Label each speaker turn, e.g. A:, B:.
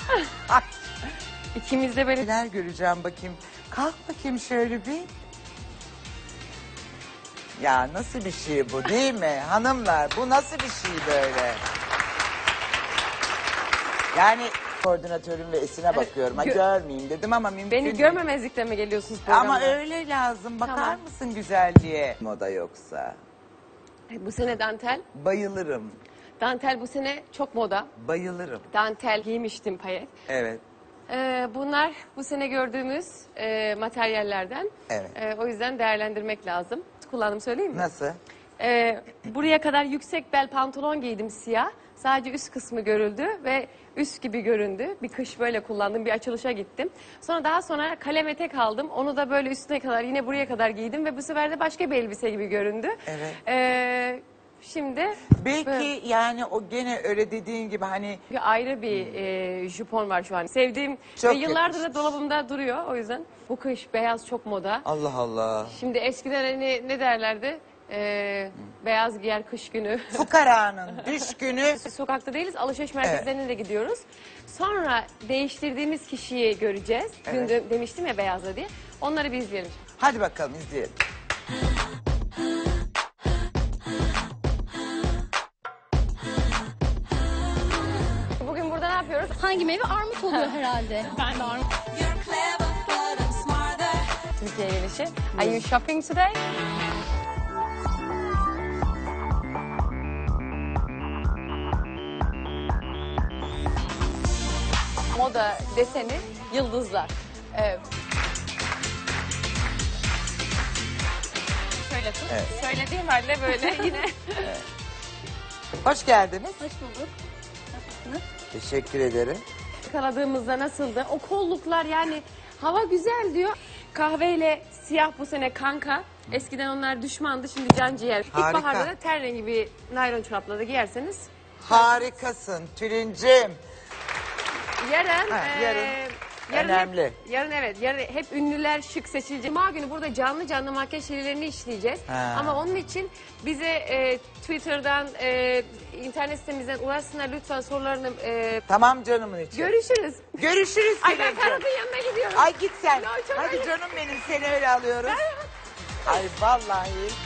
A: Ay,
B: İkimiz de böyle
A: neler göreceğim bakayım. Kalk bakayım şöyle bir. Ya nasıl bir şey bu değil mi? Hanımlar bu nasıl bir şey böyle? Yani koordinatörüm ve Esin'e bakıyorum. Ha, görmeyeyim dedim ama mümkün
B: beni
A: değil.
B: görmemezlikle mi geliyorsunuz programda?
A: Ama öyle lazım. Bakar
B: Tamam.
A: mısın güzelliğe? Moda yoksa.
B: Bu sene dantel.
A: Bayılırım.
B: Dantel bu sene çok moda.
A: Bayılırım.
B: Dantel giymiştim payet.
A: Evet.
B: Bunlar bu sene gördüğümüz materyallerden.
A: Evet.
B: O yüzden değerlendirmek lazım. Kullandım söyleyeyim mi?
A: Nasıl?
B: Buraya kadar yüksek bel pantolon giydim siyah. Sadece üst kısmı görüldü ve üst gibi göründü. Bir kış böyle kullandım, bir açılışa gittim. Daha sonra kalem etek aldım. Onu da böyle üstüne kadar, yine buraya kadar giydim ve bu sefer de başka bir elbise gibi göründü.
A: Evet.
B: Şimdi
A: Belki
B: böyle
A: yani o gene öyle dediğin gibi hani
B: ayrı bir jupon var şu an. Sevdiğim
A: Çok
B: ve yıllardır da
A: yakışmış.
B: dolabımda duruyor o yüzden. Bu kış beyaz çok moda.
A: Allah Allah.
B: Şimdi eskiden hani ne derlerdi? Beyaz giyer kış günü.
A: Fukaranın düşkünü.
B: Sokakta değiliz, alışveriş merkezlerine de gidiyoruz. Sonra değiştirdiğimiz kişiyi göreceğiz.
A: Evet.
B: Dün demiştim ya beyazla diye. Onları bir izleyelim.
A: Hadi bakalım izleyelim.
B: Bugün burada ne yapıyoruz?
C: Hangi meyve? Armut oluyor herhalde. Ben de armut.
B: Türkiye gelişi. Are you shopping today? Moda deseni yıldızlar. Şöyle tut.
A: Evet.
B: Söylediğim halde böyle yine.
A: Hoş geldiniz.
C: Hoş bulduk. Nasılsınız?
A: Teşekkür ederim.
B: Yakaladığımızda nasıldı? O kolluklar yani hava güzel diyor. Kahveyle siyah bu sene kanka. Eskiden onlar düşmandı, şimdi can ciğer.
A: Harika.
B: İlkbaharda da ten rengi bir naylon çorapla da giyerseniz.
A: Harikasın Tülincim.
B: Yarın,
A: Ha, yarın
B: yarın
A: önemli.
B: Yarın evet, yarın hep ünlüler şık seçilecek. Cuma günü burada canlı canlı makyaj serilerini işleyeceğiz.
A: Ha.
B: Ama onun için bize Twitter'dan, internet sitemizden ulaşsınlar lütfen sorularını.
A: Tamam canımın içi.
B: Görüşürüz.
A: Görüşürüz
B: Ay ben
A: Tülincim.
B: Ferhat'ın yanına gidiyorum.
A: Ay git sen.
B: No, çok
A: Hadi
B: öyle.
A: canım benim seni öyle alıyoruz. Ay vallahi.